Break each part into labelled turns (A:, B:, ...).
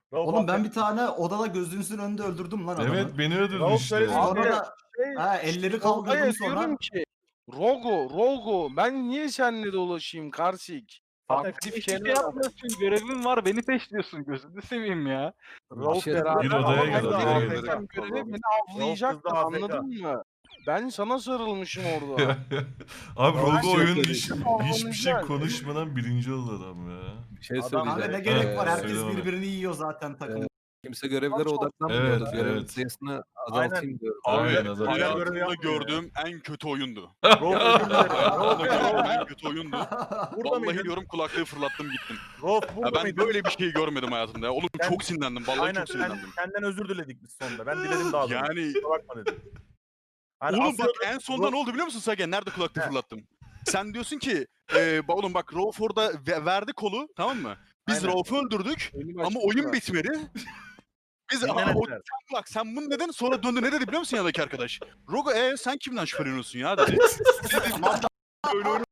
A: Oğlum ben bir tane odada gözünüzün önünde öldürdüm lan adamı.
B: Evet beni öldürdün
C: Rauf
B: işte.
C: söyledi.
A: Sonra
C: Abi,
A: da elleri kaldırdım
D: Tolga'ya
A: sonra.
D: diyorum ki Rogo ben niye seninle dolaşayım Karsik?
C: zaten
E: Aktif
C: hiçbir
E: şey
C: şey
E: yapmıyorsun. Görevin var. Beni peşliyorsun. Gözünü seveyim ya.
C: Rauf
F: Şey-
C: beraber
B: Gir odaya
C: ama
B: gir,
C: ben de
B: odaya
C: AFK.
B: gir.
D: Sen görevi beni avlayacaktın
C: kızdı, AFK.
D: anladın mı? Ben sana sarılmışım orada.
B: Abi
C: Ben
B: Rogo
C: şey
B: oyun
F: söyleyeyim.
B: dışı hiçbir şey konuşmadan birinci oldu adam ya.
F: Bir şey
C: Adam-
A: Kanka
F: söyleyeceğim.
A: ne gerek var? Herkes
B: söyle bana.
A: birbirini yiyor zaten takım.
F: Kimse görevlere
D: Çok-
F: odaklanmıyordu.
B: Evet,
F: Görevin
B: evet.
F: sayısını azaltayım diyorum.
B: Aynen
C: Abi,
B: adam.
C: hayal
G: Hayatımda
C: görevi yapmıyor
G: gördüğüm en kötü oyundu.
C: Rauf özür dilerim.
G: Hayatımda gördüğüm
C: Rauf,
G: en kötü oyundu.
C: burada
G: Vallahi
C: mıydın?
G: diyorum kulaklığı fırlattım gittim.
C: Rauf
G: Ya
C: burada
G: ben
C: mıydın?
G: böyle bir şey görmedim hayatımda ya. Oğlum
C: Ben-
G: çok sinirlendim. Vallahi
C: Aynen
G: çok sinirlendim.
C: senden özür diledik biz sonunda. Ben diledim daha doğrusu.
G: Yani
C: Kusura bakma dedim. Hani
G: oğlum
C: asıl-
G: bak en sonunda ne oldu biliyor musun Sagen? Nerede kulaklığı
C: He.
G: fırlattım? Sen diyorsun ki oğlum bak Rauf orada verdi kolu tamam mı? Biz
C: Aynen.
G: Rauf'u öldürdük
D: Benim
G: ama
D: açık
G: oyun
D: var.
G: bitmedi. Biz
C: Dinlemediler.
G: bak sen bunu neden sonra döndü ne dedi biliyor musun yanındaki arkadaş? Rogo sen kimden şüpheleniyorsun ya dedi. Dedim öyle öyle.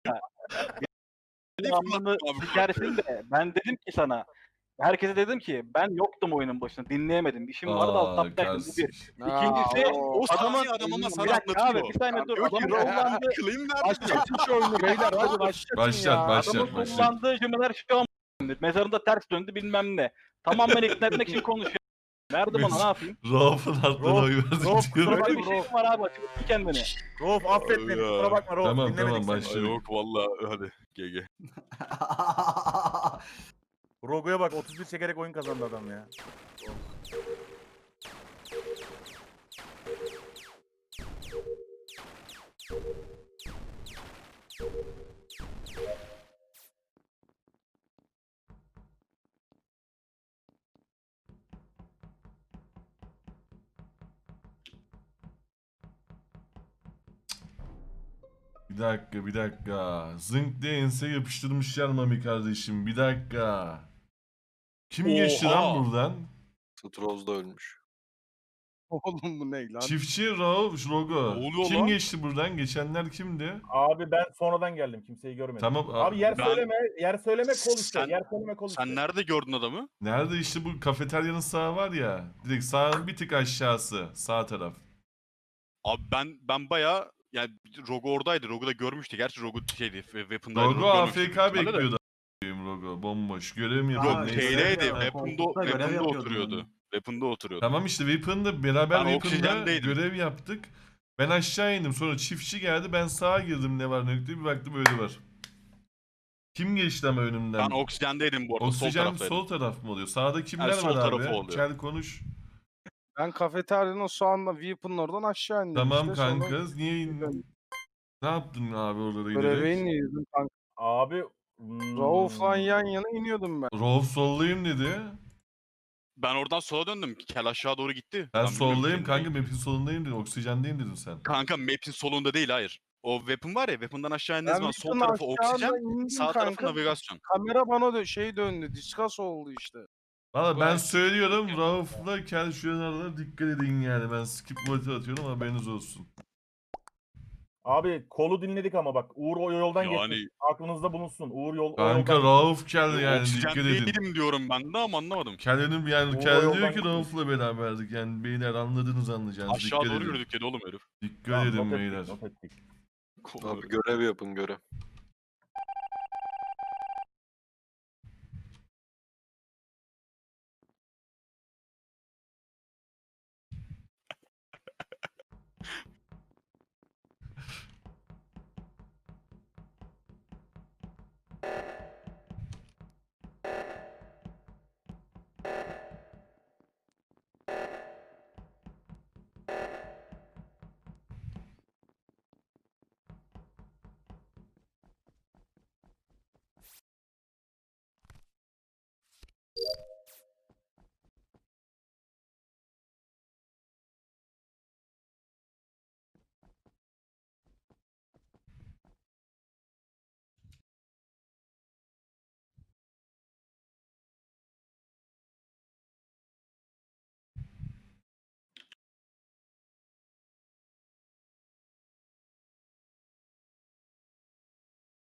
E: Devamını
G: Abi,
E: sikersin de ben dedim ki sana. Herkese dedim ki ben yoktum oyunun başında. Dinleyemedim. İşim vardı alt taptaktım. Bu bir. İkincisi
G: o saniye adam ama
E: bir
G: sana
E: dakika abi
G: anlatıyor.
E: bir saniye dur.
G: Diyor ki,
E: Adamın kullandığı,
G: Claim nerede?
D: Başlatın şu oyunu beyler hadi başlatın
B: Başlat,
D: ya.
B: başlat.
E: adamın kullandığı cümleler şu an mezarında ters döndü bilmem ne. Tamamen ikna etmek için konuşuyor. Nerede bana ne yapayım?
B: Rauf'un aklına
C: Rauf,
B: oy
C: Rauf,
B: verdim.
C: kusura
B: diyorum.
C: bakma.
E: Böyle bir şey mi var abi? Açıklasın kendini.
C: Rauf affet beni.
G: Ya.
C: Kusura bakma Rauf.
B: Tamam,
C: Dinlemedik
B: tamam,
C: seni.
B: başla.
G: Ay, yok vallahi hadi GG.
C: Rogo'ya bak 31 çekerek oyun kazandı adam ya.
B: Bir dakika. Zınk diye ense yapıştırmışlar Mami kardeşim. Bir dakika. Kim geçti lan
G: Oha.
B: buradan?
F: Stroz da ölmüş.
D: Oğlum bu ne lan?
B: Çiftçi, Rauf, Rogo.
G: oluyor
B: Kim
G: lan?
B: geçti buradan? Geçenler kimdi?
C: Abi ben sonradan geldim. Kimseyi görmedim.
B: Tamam.
C: Abi yer
G: Ben-
C: söyleme. Yer söyleme kol işte.
G: Sen-
C: Yer söyleme kol işte.
G: Sen nerede gördün adamı?
B: Nerede işte bu kafeteryanın sağı var ya. Direkt sağın bir tık aşağısı. Sağ taraf.
G: Abi ben bayağı yani Rogo oradaydı. Rogo da görmüştü. Gerçi Rogo şeydi. Weapon'daydı.
B: Rogo
G: görmemiştik
B: AFK
G: büyük ihtimalle de.
B: bekliyordu. Rogo bomboş. Görev mi
A: Yok,
B: yapıyor?
A: Aa,
B: Neyse.
G: Şeydeydi.
A: ya,
G: Weapon'da
A: koltukta görev yapıyordum
G: oturuyordu.
A: ben.
G: Weapon'da oturuyordu.
B: Tamam işte Weapon'da beraber
G: Ben
B: Weapon'da
G: oksijendeydim.
B: görev yaptık. Ben aşağı indim. Sonra çiftçi geldi. Ben sağa girdim ne var ne yok diye bir baktım öyle var. Kim geçti ama önümden?
G: Ben oksijendeydim bu arada. Sol
B: Oksijen
G: taraftaydım.
B: sol taraf mı oluyor? Sağda kimler
G: sol
B: var abi?
G: tarafı oluyor.
B: Çel konuş.
D: Ben kafeteryanın soğanla Weapon'ın oradan aşağı indim
B: Tamam
D: işte. Sonra
B: kanka. Niye indin? Ne yaptın abi orada
D: Görevi
B: giderek?
D: iniyordum kanka.
C: Abi.
D: Rauf'la yan yana iniyordum ben.
B: Rauf soldayım dedi.
G: Ben oradan sola döndüm. Kel aşağı doğru gitti.
B: Ben
G: bilmiyorum
B: soldayım
G: kim
B: kanka.
G: değil.
B: Map'in solundayım dedin. Oksijendeyim dedin sen.
G: Kanka map'in solunda değil hayır. O weapon var ya weapon'dan aşağı indiğiniz
D: Ben
G: zaman sol
D: Weapon'ın
G: tarafı
D: aşağıda
G: oksijen,
D: indim
G: sağ tarafı
D: kanka.
G: navigasyon.
D: Kamera bana döndü. Discuss oldu işte.
B: Valla ben
G: Bu-
B: söylüyorum Rauf'la Kel şu an arada dikkat edin yani. Ben skip vote atıyorum haberiniz olsun.
C: Abi kolu dinledik ama bak Uğur o yoldan
G: Yani-
C: geçti. Aklınızda bulunsun. Uğur o
B: Kanka
C: yoldan.
B: Rauf Kel yani
G: Oksijen
B: dikkat edin.
G: değilim diyorum ben de ama anlamadım.
B: Kel'in yani
C: O
B: Kel diyor
C: yoldan
B: ki
C: gitmiş.
B: Rauf'la beraberdik yani beyler anladınız anlayacağınız
G: Aşağı
B: dikkat
G: doğru
B: edin.
G: yürüdük dedi oğlum herif.
B: Dikkat
C: Tamam,
B: edin
C: not ettik,
B: beyler.
C: not ettik.
F: Abi görev yapın görev.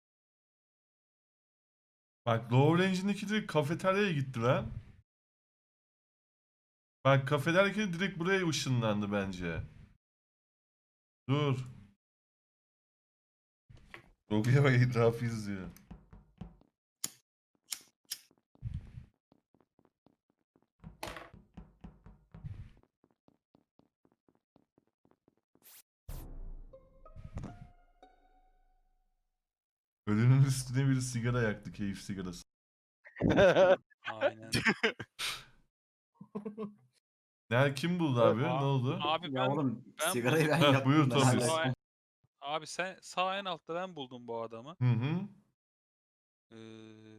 B: Bak Lower Range'indeki direkt kafeteryaya gitti lan. Bak kafe derken direkt buraya ışınlandı bence. Dur. Google'a bak etrafı izliyor. Ölünün üstüne bir sigara yaktı, keyif sigarası.
H: Aynen.
B: Kim buldu abi? Ne oldu?
H: Abi
A: Ya oğlum
H: ben
A: sigarayı ben
B: Heh,
A: yaktım.
B: buyur
A: ben
B: Tomris.
A: hala-
H: abi sen sağ en altta ben buldum bu adamı.
B: Hı hı.
H: Ee,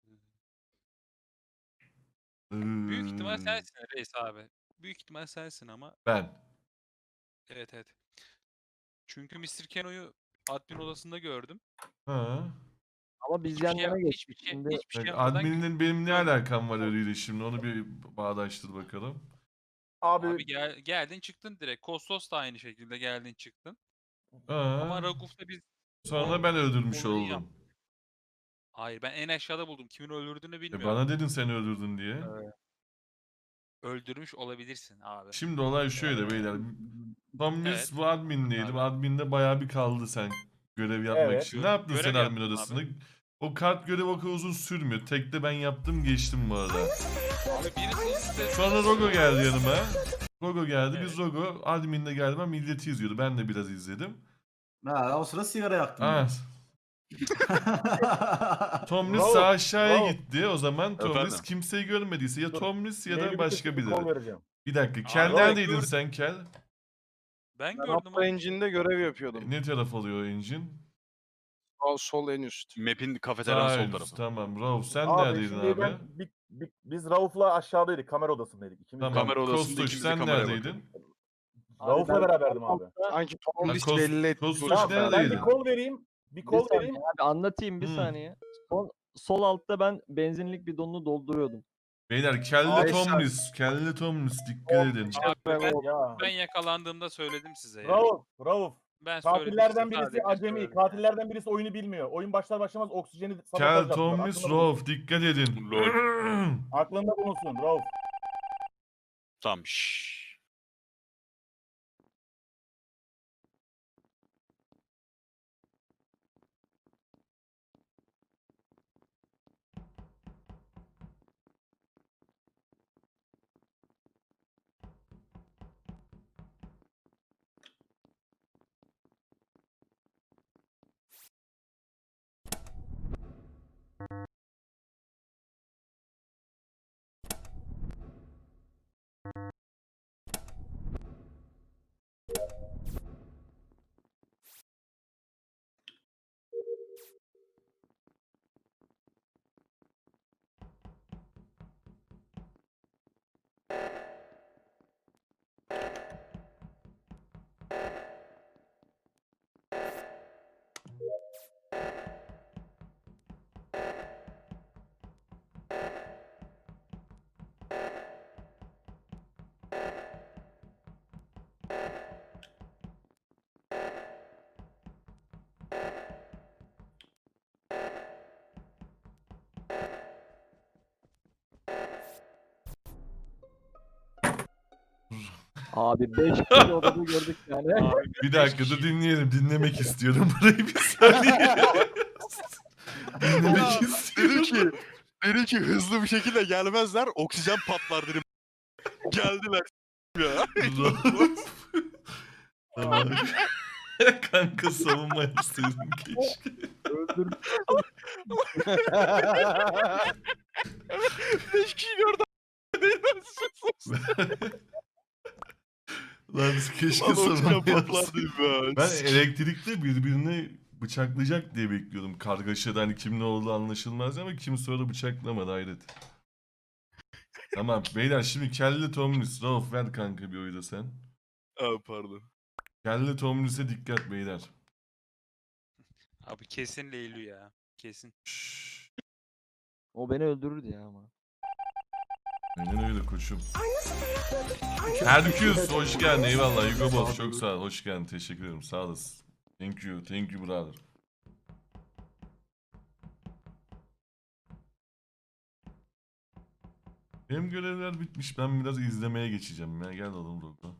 H: büyük ihtimal sensin reis abi. Büyük ihtimal sensin ama
B: Ben.
H: evet. Çünkü Mr. Keno'yu admin odasında gördüm.
B: Ha.
I: Ama biz
H: Hiçbir
I: yan
H: şey,
I: yana geçtik.
H: hiçbir şey,
I: Şimdi
H: hiçbir şey
B: Bak,
H: yapmadan
B: admin'in benim ne alakam var ölüyle şimdi onu bir bağdaştır bakalım.
H: abi geldin çıktın direkt. Kostos da aynı şekilde geldin çıktın. Ama
B: Ha.
H: Raguf'ta biz
B: Sonra ben öldürmüş
H: olayı
B: oldum.
H: yaptık. Hayır ben en aşağıda buldum. Kimin öldürdüğünü bilmiyorum.
B: Bana dedin sen öldürdün diye.
H: Öldürmüş olabilirsin abi.
B: Şimdi olay şöyle beyler. Tomris
H: Evet.
B: bu admin'deydi.
H: Abi.
B: Admin'de bayağı bir kaldı sen görev yapmak
C: Evet.
B: için. Ne yaptın
H: Görev
B: sen admin
H: yaptım
B: odasında? O kart görevi o kadar uzun sürmüyor. Tekte ben yaptım geçtim bu arada.
H: Abi birisi işte
B: Sonra Rogo geldi yanıma. Rogo geldi.
H: Evet.
B: Biz Rogo admin'de galiba milleti izliyordu. Ben de biraz izledim.
A: Ha, o sıra sigara yaktım.
B: Ah,
A: ben.
B: Tomris
C: Bravo,
B: sağ aşağıya
C: bravo.
B: gitti. O zaman Tomris
G: Efendim?
B: kimseyi görmediyse ya
C: Dur,
B: Tomris ya
C: Maili
B: da
C: bir
B: başka
C: kez bir kol
B: biri.
C: vereceğim.
B: Bir dakika. Kel
H: Abi,
B: neredeydin
D: gördüm.
B: sen Kel?
H: ben
D: Ben
H: gördüm
D: Upper
H: abi.
D: Engine'de görev yapıyordum.
B: Ne taraf alıyor engine?
D: Sol en üst.
G: Map'in kafeteryanın
B: Sağ
G: sol
B: üst,
G: tarafı.
B: tamam. Rauf sen
C: Abi
B: neredeydin
C: şimdi
B: abi?
C: biz Rauf'la aşağıdaydık. Kamera odasındaydık. İkimiz
B: Tamam.
G: Kamera odasında
B: Kostoş
G: ikimiz de
B: sen
G: kameraya
B: neredeydin?
C: Rauf'la
I: ben-
C: beraberdim abi.
D: Sanki Tomris
B: Kos-
D: belli etti.
B: Kostoş
C: Tamam ben
B: neredeydin?
C: bir kol vereyim. Bir
I: bir
C: kol
I: saniye
C: vereyim.
I: abi anlatayım bir
B: Hı.
I: saniye. Sol altta ben benzinlik bidonunu dolduruyordum.
B: Beyler Kelli
D: Abi,
B: Tomris. Kelli Tomris dikkat edin.
H: Abi
C: Ya.
H: ben yakalandığımda söyledim size ya.
C: Rauf.
H: Ben söyledim
C: Katillerden
H: size,
C: birisi
H: sadece
C: acemi.
H: söyledim.
C: Katillerden birisi oyunu bilmiyor. Oyun başlar başlamaz oksijeni sabotaj
B: Kel
C: yaptılar.
B: Tomris
C: Aklında
B: Rauf dikkat edin.
C: Aklında bulunsun Rauf.
G: Tamam. Şşş.
I: Abi 5 kişi odada gördük yani.
B: Bir dakika dur dinleyelim. Dinlemek istiyorum burayı bir saniye. Dinlemek istiyorum.
G: Dedi ki hızlı bir şekilde gelmezler oksijen patlar dedim. Geldiler ya.
B: Rauf. Tamam. Kanka savunma yapsaydın keşke.
I: Öldürdüm.
G: 5 kişi gördüm.
B: Lan keşke
G: Lan oksijen
B: savunma
G: patlar
B: yapsaydın.
G: dedim ya.
B: Ben elektrikte birbirini bıçaklayacak diye bekliyordum. Kargaşada hani kim ne olduğu anlaşılmaz ama kim sonra bıçaklamadı hayret. Tamam beyler şimdi Kelly Tomris. Rauf ver kanka bir oyu da sen.
G: Aa, pardon.
B: Kelly Tomris'e dikkat beyler.
H: Abi kesin Leylu ya. Kesin.
B: Şşş.
I: O beni öldürürdü ya ama.
B: Aynen öyle koçum. Herküs hoş geldin eyvallah Hugo Boss çok sağ ol hoş geldin teşekkür ederim sağ olasın. Thank you brother. Benim görevler bitmiş. Ben biraz izlemeye geçeceğim ya. Gel oğlum Rogo.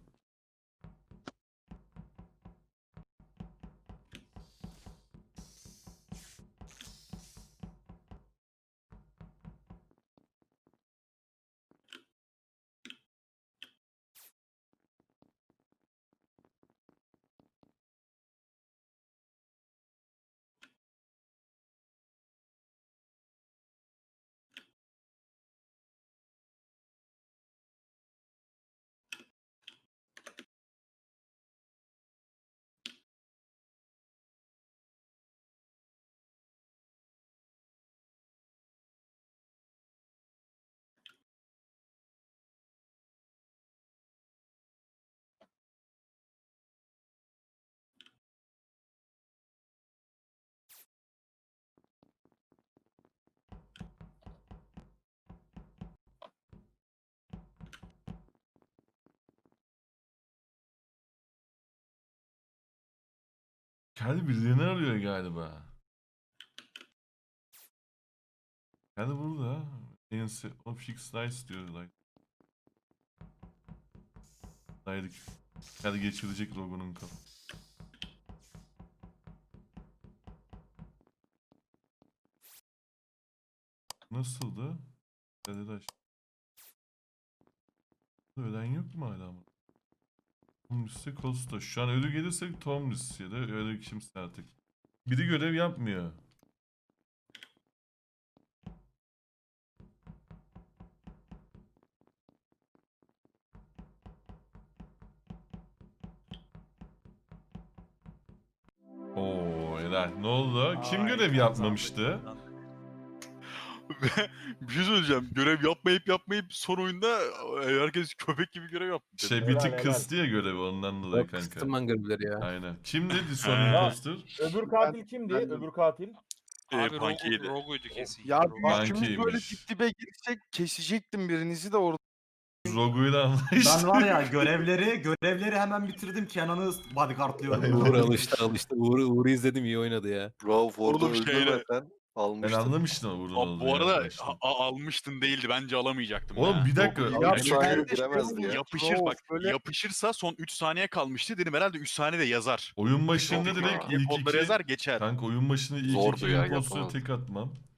B: Kendi birilerini arıyor galiba. Kendi burada. O fix nice diyorlar. Haydi. Hadi geçirecek Rogo'nun kafa. Nasıldı? Dede ölen yok mu hala mı? Tomris'e Costa. Şu an ölü gelirse Tomris ya da öyle kimse artık. Biri görev yapmıyor. Oo helal. Ne oldu? Kim görev yapmamıştı?
G: Bir şey söyleyeceğim. Görev yapmayıp son oyunda herkes köpek gibi görev yaptı.
B: Şey bir
C: Helal,
B: tık
C: helal.
B: kıstı ya görevi ondan dolayı
F: Bak
B: kanka.
F: kıstım ben görevleri ya.
B: Aynen. Kimdi son
C: Ya,
B: imposter?
C: Öbür katil kimdi?
D: ben de-
C: Öbür katil.
H: Abi
G: Punk'iydi.
H: Rogu'ydu kesin.
D: Ya
H: Rogu.
D: bir üçümüz böyle
B: Punk'iymiş.
D: dip dibe girsek kesecektim birinizi de orada.
B: Rogu'yla anlaştı.
A: Ben var ya görevleri hemen bitirdim. Kenan'ı bodyguardlıyorum.
F: Uğur alıştı. Uğur'u izledim, iyi oynadı ya. Bravo orada
G: Oğlum şeyle-
F: öldürmeden
B: Ben
F: almıştım.
B: anlamıştım ama burada
G: Abi bu arada almıştın değildi. Bence alamayacaktım.
B: Oğlum
G: ya.
B: bir dakika.
G: Çok-
F: Ya,
G: Ya,
F: şu an
G: çünkü
F: giremezdi ya.
G: yapışırsa son 3 saniye kalmıştı. Dedim herhalde 3 saniye de yazar.
B: Oyun başında
G: Çok-
B: direkt
G: Hep
B: ilk
G: onları
B: iki...
G: yazar geçer.
B: Kanka oyun başında ilk
F: Zordu
B: iki
F: ya,
B: imposter'ı
F: yapamazdı.
B: tek atmam.